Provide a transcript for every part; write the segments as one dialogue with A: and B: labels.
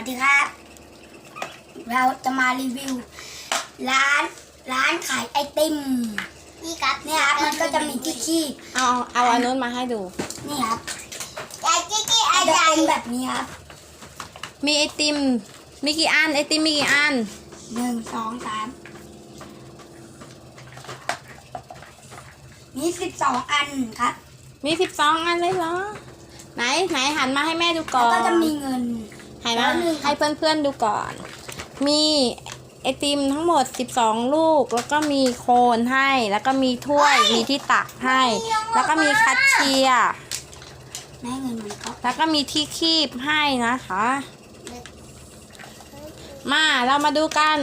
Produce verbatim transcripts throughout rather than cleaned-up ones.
A: สดีครับเราจะมารีวิวร้านร้านขายไอติมนี่ครับเนี่ยครับมันก็จะมีที่คีบ
B: เอาเอาอันนู้นมาให้ดู
A: นี่ครับไอที่คีบจะเป็นแบบนี้ครับ
B: มีไอติมมีกี่อันไอติมมีกี่อัน
A: หนึ่งสองสามมีสิบสองอันครับ
B: มีสิบสองอันเลยเหรอไหนไหนหันมาให้แม่ดูก่อน
A: แล้วก็จะมีเงิน
B: หันมาให้เพื่อนๆดูก่อนมีไอติมทั้งหมดสิบสองลูกแล้วก็มีโคนให้แล้วก็มีถ้วยมีที่ตักให้แล้วก็มีคัตเชียร์
A: แม่เงินมันก็
B: แล้วก็มีที่คีบให้นะคะมาเรามาดูกัน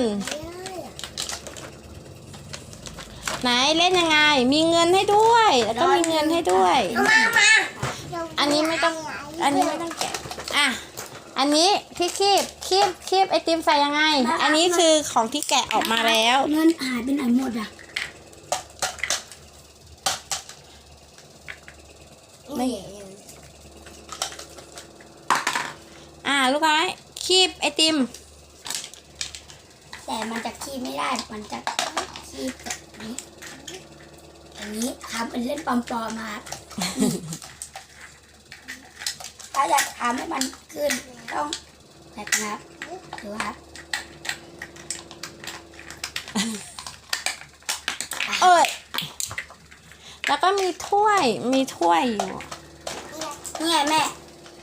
B: ไหนเล่นยังไงมีเงินให้ด้วยแล้วก็มีเงินให้ด้วยอันนี้ไม่ต้องอันนี้ไม่ต้องแกะอ่ะอันนี้ที่คีบคีบคีบไอติมใส่ยังไงอันนี้คือของที่แกะออกมาแล้ว
A: เงินหายไปไหนหมดอ่ะ
B: ไม่อ่าลูกไม้คีบไอติม
A: แต่มันจะคีบไม่ได้มันจะคีบแบบนี้อย่างนี้ทำเป็นเล่นปลอมๆมาถ้าอยากทำให้มันขึ้นต้องแบบนี้หรือว่า
B: เอ้ยแล้วก็มีถ้วยมีถ้วยอยู่
A: นี่ไงแม่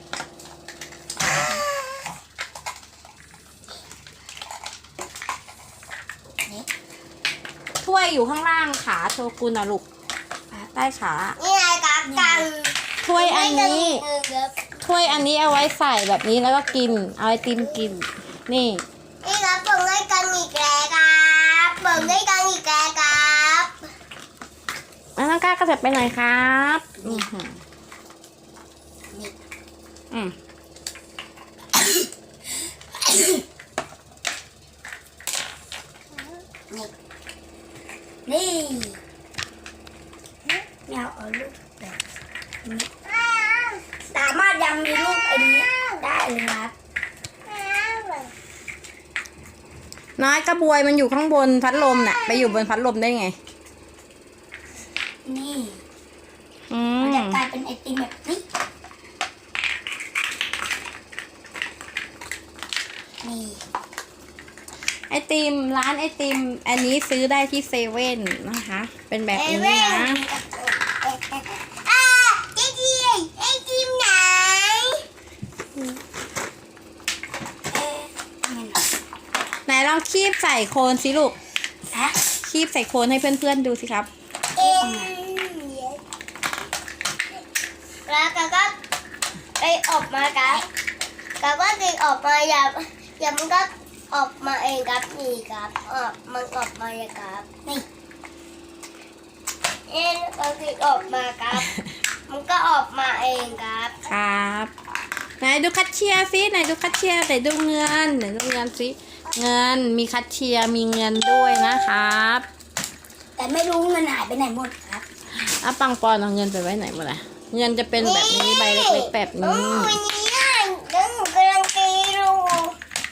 B: ถ้วยอยู่ข้างล่างขาโชกุนนะลูกใต้ขา
A: นี่ไงครับกัน
B: ถ้วยอันนี้ถ้วยอันนี้เอาไว้ใส่แบบนี้แล้วก็กินเอาไอติมกินนี่
A: นี่ครับเปิดให้กันอีกแล้วครับเปิดให้กันอีกแล้วครับ
B: น้องก้าก็จะไปไหนครับอืมอืม
A: นี่แมวเอาลูกแบบนี้สามารถยังมีลูกอันนี้ได้เลยครับ
B: น้อยกระบวยมันอยู่ข้างบนพัดลมน่ะไปอยู่บนพัดลมได้ไง
A: นี่มันจะกลายเป็นไอติมแบบนี้นี่
B: ไอติมร้านไอติมอันนี้ซื้อได้ที่เซเว่นนะคะเป็นแบบนี้นะ
A: ไอติมไอติมไหน
B: ไหนลองคีบใส่โคนสิลูกคีบใส่โคนให้เพื่อนๆดูสิครับ
A: แล้วก็ก็ไปออกมาครับก็ก็ดึงออกมาอย่าอย่ามันก็ออกมาเองครับนี่ครับออกมันออกมาเลยครับนี่เอ็นก็ดึงออกมาครับมันก็ออกมาเองครับ
B: ครับไหนดูคัตเชียร์สิไหนดูคัตเชียร์ไหนดูเงินไหนดูเงินสิเงินมีคัตเชียร์มีเงินด้วยนะครับ
A: แต่ไม่รู้เงินหายไปไหนหมดครับ
B: อ่ะปังปอนเอาเงินไปไว้ไหนหมดล่ะเงินจะเป็นแบบนี้ใบเล็กๆแบบนี้
A: วันนี้เดี๋ยวหนูกำลังตีลูก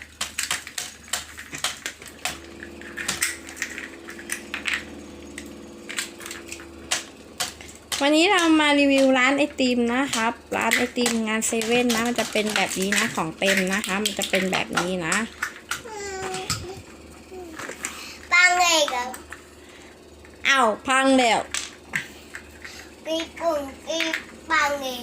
B: วันนี้เรามารีวิวร้านไอติมนะครับร้านไอติมงานเซเว่นนะมันจะเป็นแบบนี้นะของเต็มนะคะมันจะเป็นแบบนี้นะ
A: ปังเลยครับ
B: อ้าวพังแล้ว
A: ปีปุ่นปีปังเลย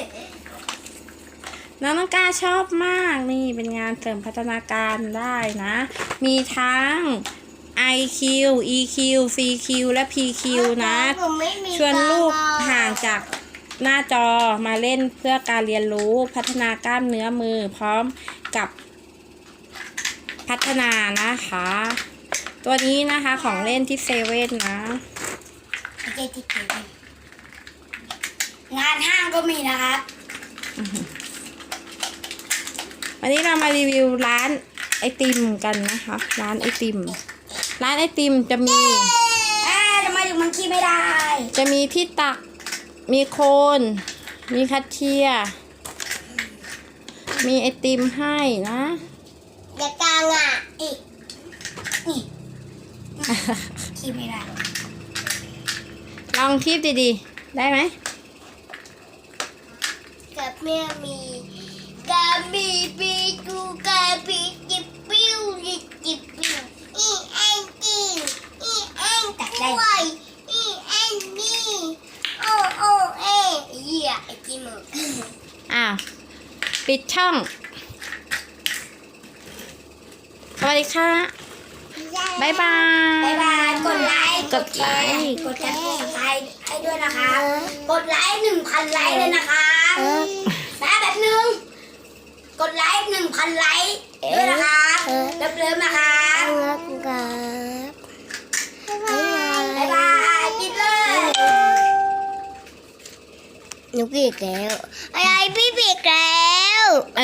B: น้องน้องกาชอบมากนี่เป็นงานเสริมพัฒนาการได้นะมีทั้ง ไอ คิว อี คิว ซี คิว และ พี คิว นะชวนลูกห่างจากหน้าจอมาเล่นเพื่อการเรียนรู้พัฒนากล้ามเนื้อมือพร้อมกับพัฒนานะคะตัวนี้นะคะของเล่นที่เซเว่นนะ
A: งานห้างก็มีนะครับ
B: วันนี้เรามารีวิวร้านไอติมกันนะคะร้านไอติมร้านไอติมจะมี
A: ทำไมถึงมันขี้ไม่ได้
B: จะมีที่ตักมีโคนมีคัตเชียร์มีไอติมให้นะ
A: อย่ากลางอ่ะอีกนี่คีบไม่ได้
B: ลองคีบดีๆ ได้ไหม
A: กับแม่มีกาบีบีกูกาบีจิบปิ้วจิบจิบปิ้วอีแอนจีอีแอนด้วยอีแอนนี่โอโอเอเหี้ยไอ้จิมมึง
B: อ้าว ปิดช่อง สวัสดีค่ะ บ๊ายบาย
A: บ๊ายบาย กดไลค์
B: กดไลค์
A: กดแชร์กดไลค์ให้ด้วยนะคะ กดไลค์หนึ่งพันไลค์เลยนะคะแป๊บแบบนึง กดไลค์หนึ่งพันไลค์ด้วยนะคะเริ่มๆนะคะบ๊ายบายปิดเลยหนูปิดแล้วอะไรพี่ปิดแล้ว
B: เอ